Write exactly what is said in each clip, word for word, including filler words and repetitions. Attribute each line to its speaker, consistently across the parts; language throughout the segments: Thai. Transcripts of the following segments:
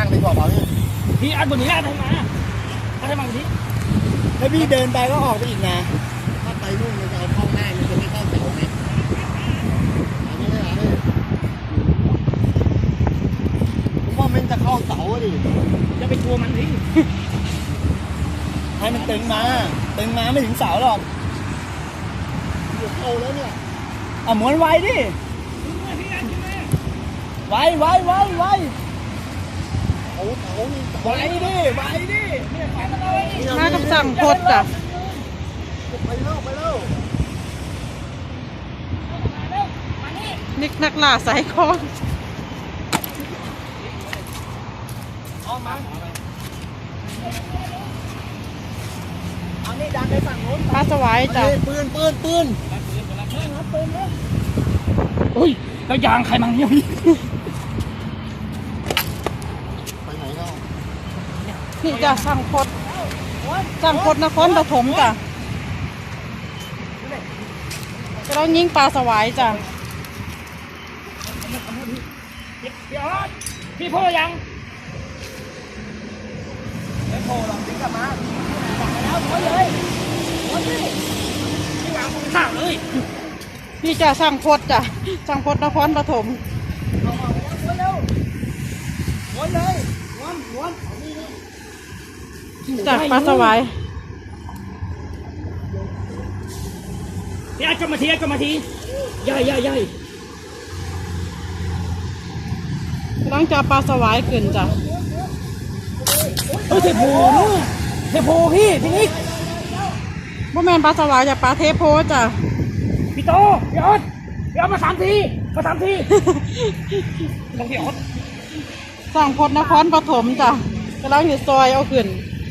Speaker 1: ดีกว่าป่ะพี่
Speaker 2: พี่อัดบนนี้อัดทำไมอัดทำไมบนนี้
Speaker 1: แล้วพี่เดินไปก็ออกไปอีกนะถ้าไปนู่นมันจะเอาเข้าง่ายมันจะไม่เข้าเสาไหมอันนี้ไม่อะไรผมว่ามันจะเข้าเสาดิ
Speaker 2: จะไปกลัวมันพี่
Speaker 1: ให้มันตึงมาตึงมาไม่ถึงเสาหรอกเดี๋ยวเข้าแล้วเนี่ยอ่ะม้วนไวดิไวไวไวไวเอาเอาไวดิไวดิ
Speaker 3: มากับสั่งพดจ้ะ
Speaker 1: ไปเร็วไปเร็ว
Speaker 3: นิกนักล่าสายคอน
Speaker 1: เอามาเอานี่ดันไปฝั่งโน้น
Speaker 3: ปลาสวายจ้ะ
Speaker 1: ปืนปืนปืนปืนนะ
Speaker 2: โอ้ยแล้วยางใครมาเนี่ยพี่
Speaker 1: ไปไหนเนาะ
Speaker 3: นี่จ้ะสั่งพดสั่งพดนครปฐมจ้ะจะต้องยิงปลาสวายจ้ะ
Speaker 2: พี่ออสพี่พ่อยัง
Speaker 1: ไม่โผล่หรอกติ๊กกลับมา
Speaker 2: จับไปแล้วม้วนเลยม้วนดิพี่วางมือข้างเลย
Speaker 3: นี่จ้ะสั่งพดจ้ะสั่งพดนครปฐม
Speaker 1: เอามาม้วนเร็วม้วนเลยม้วนม้วน
Speaker 3: จ้ะปลาสวาย
Speaker 2: พี่อัดกลับมาทีอัดกลับมาทีใหญ่ใหญ่ใหญ่
Speaker 3: หลังจากปลาสวายขึ้นจ้ะ
Speaker 2: เออเทโพนู่นเทโพพี่พี่นิก
Speaker 3: บ่แม่นปลาสวายจ้ะปลาเทโพจ้ะ
Speaker 2: พี่โตพี่ออสพี่ออสมาสามทีมาสามทีลงพี่ออส
Speaker 3: สั่งพดนครปฐมจ้ะกำลังอยู่ซอยเอาขึ้น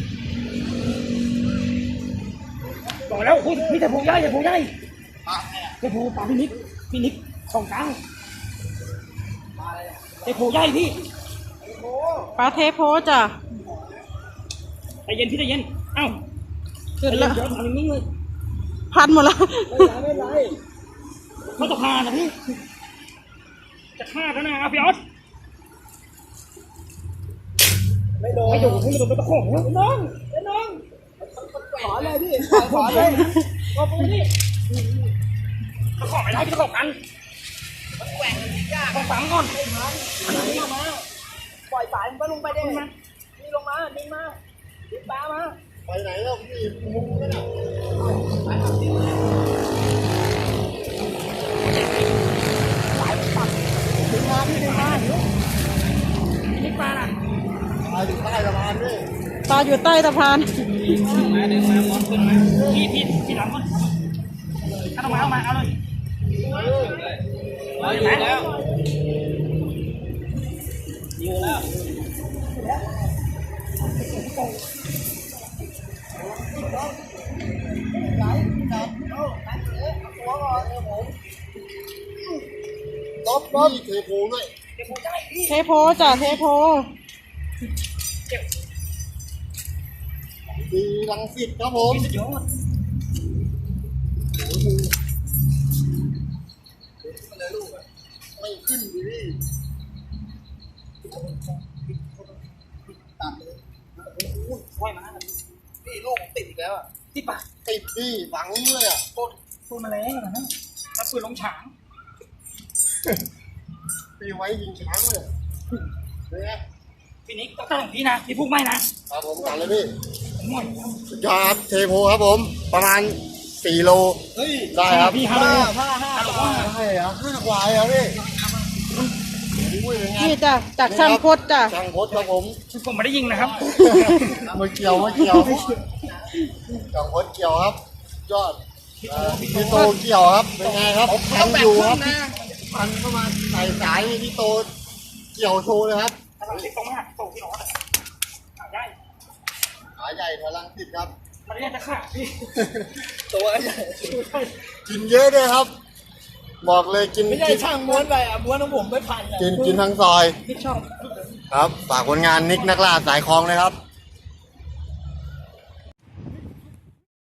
Speaker 2: บอกแล้วคุณพี่เทโพใหญ่เทโพใหญ่เทโพปลาพี่นิกพี่นิกของกลางเทโพใหญ่พี่
Speaker 3: ปลาเทโพจ้ะ
Speaker 2: ใจเย็นพี่ใจเย็นเอ้า
Speaker 3: ขึ้นแล้ว
Speaker 2: เดี๋ยวทำนิ่งๆเลย
Speaker 3: พันหมดแล้ว
Speaker 1: ไม่ไร
Speaker 2: เขาจะพานะพี่จะฆ่าแล้วนะพี่ออส
Speaker 1: ไม่โดน
Speaker 2: ไม่โดนไม่โดนไม่ต้องของน้องน้อง
Speaker 1: ขอเลยพี่ขอเลย
Speaker 2: ขอปูนี่ตะขอไม่ได้พี่ตะขอกัน
Speaker 1: มันแกว่งมันยาก
Speaker 2: ต้องฝังก่อน
Speaker 1: มาปล่อยสายมันก็ลงไปได้ไหมนี่ลงมาดึงมาดึงปลามาไปไหนแล้วพี่มุ้งไม่ได้สายตัดดึงมาพี่ดึงมา
Speaker 2: นี่ปลาล่ะ
Speaker 1: ปลาอยู่ใต้สะพานด้วย
Speaker 3: ปลาอยู่ใต้สะพาน
Speaker 2: มาดึงมามอนขึ้นมาพี่พี่พี่หลังก่อนเอามาเอามาเอาเลยเอาอยู่แล้วอยู่แล้ว
Speaker 1: ต๊อบต๊อบเทโพด้วย
Speaker 3: เทโพจ้ะเทโพ
Speaker 1: ดีรังสิตครับผมไม่ขึ้นดิพี่ตัดเลย
Speaker 2: ว่ายมา
Speaker 1: พี่ลูกติดอีกแล้วอ่ะ
Speaker 2: ที่ปะ
Speaker 1: ติดพี่ฝังเลยอ่ะ
Speaker 2: โคตรโคตรมาแล้วนะถ้าปืนลงฉาง
Speaker 1: ตีไว้ยิงช้างเลยเนี่ย
Speaker 2: พี่นิกต้องตั้งพี่นะพี่พูดไม่นะครับ
Speaker 1: ผมตัดเลยพี่
Speaker 2: หน่อย
Speaker 1: สุดยอดครับเทโพครับผมประมาณสี่โลได้ครับ
Speaker 2: พี่ห้าห้าห้าห้า
Speaker 1: ใช่เหรอห้ากว่าเหรอพี่
Speaker 3: นี่จ้ะจากช่างพดจ้ะ
Speaker 1: ช่างพดครับผม
Speaker 2: ผมไม่ได้ยิงนะครับ
Speaker 1: มาเกี่ยวมาเกี่ยวช่างพดเกี่ยวครับยอดพี่โตเกี่ยวครับเป็นไงครับพันอยู่ครับพันเข้ามาใส่สายพี่โตเกี่ยวโชว์เลยครับ
Speaker 2: ตรงนี้ตรงที่น้องขาใหญ่
Speaker 1: ขาใหญ่พลังติดครับ
Speaker 2: มันเรียกจะขาพี่
Speaker 1: ตัวใหญ่กินเยอะด้วยครับบอกเลยกิน
Speaker 2: ไม่ใช่ช่างม้วนไปอ่ะม้วนของผมไม่พันเลย
Speaker 1: กินกินทั้งซอยครับฝากผลงานนิกนักล่าสายคลองเลยครับ